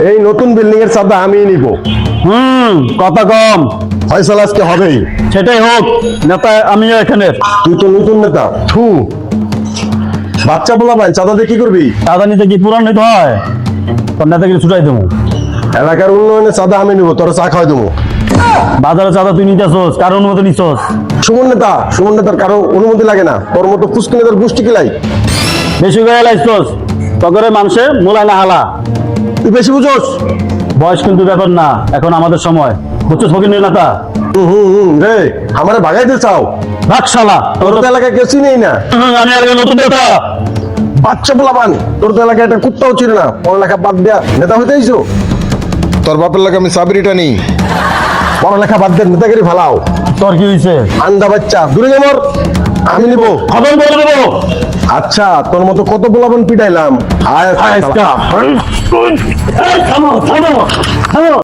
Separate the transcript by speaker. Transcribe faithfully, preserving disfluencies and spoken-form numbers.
Speaker 1: এই নতুন বিল্ডিং এর চাঁদা আমি নিব।
Speaker 2: হুম কথা কম।
Speaker 1: ফয়সালা আজকে হবেই।
Speaker 2: সেটাই হোক, নেতা আমিও এখানে।
Speaker 1: তুই তো নতুন নেতা। থু, বাচ্চা বলা ভাই চাঁদা দিয়ে কি করবি?
Speaker 2: চাঁদা নিতে কি পুরান নিতে হয়? তোর নেতাকে ছুটাই দেবো।
Speaker 1: এলাকার উন্নয়নে চাঁদা আমি নিব, তোর চা খাওয়াই দেবো।
Speaker 2: বাজারে চাঁদা তুই নিতে আসোস, কারণ অনুমতি নিচ্ছস?
Speaker 1: সুমন নেতা, সুমন নেতার কারো অনুমতি লাগে না, তোর মতো পুষ্কি নেতার গোষ্ঠী কিলাই।
Speaker 2: বেশি গায়ে লাগছস, তগরে মানুষে মোলায় না হালা।
Speaker 1: তুই বেশি বুঝোস।
Speaker 2: বয়স কিন্তু ব্যাপার না, এখন আমাদের সময়। বুঝছস ফকির নেতা?
Speaker 1: হুম হুম হুম রে, আমারে ভাগাইতে চাও?
Speaker 2: রাখ শালা।
Speaker 1: তোর তো এলাকায় কেউ চিনেই না।
Speaker 2: হুম, আমি আর নতুন নেতা।
Speaker 1: বাচ্চা বলা পান, তোর তো এলাকায় একটা কুত্তাও চিনে না, পড়ালেখা বাদ দেয়া নেতা হইতে আইছো?
Speaker 3: তোর বাপের লাগে আমি চাবরিটা নিই।
Speaker 1: পড়ালেখা বাদ দিয়ে নেতাগিরি ফালাও।
Speaker 2: তোর কি হয়েছে?
Speaker 1: আন্দা বাচ্চা দূরে যাবর, আমি নিব।
Speaker 2: খবর বলে দেবো।
Speaker 1: আচ্ছা, তোর মতো কত পোলাপন পিটাইলাম। আয়
Speaker 2: আয়,
Speaker 1: শালা।
Speaker 2: থামো থামো থামো।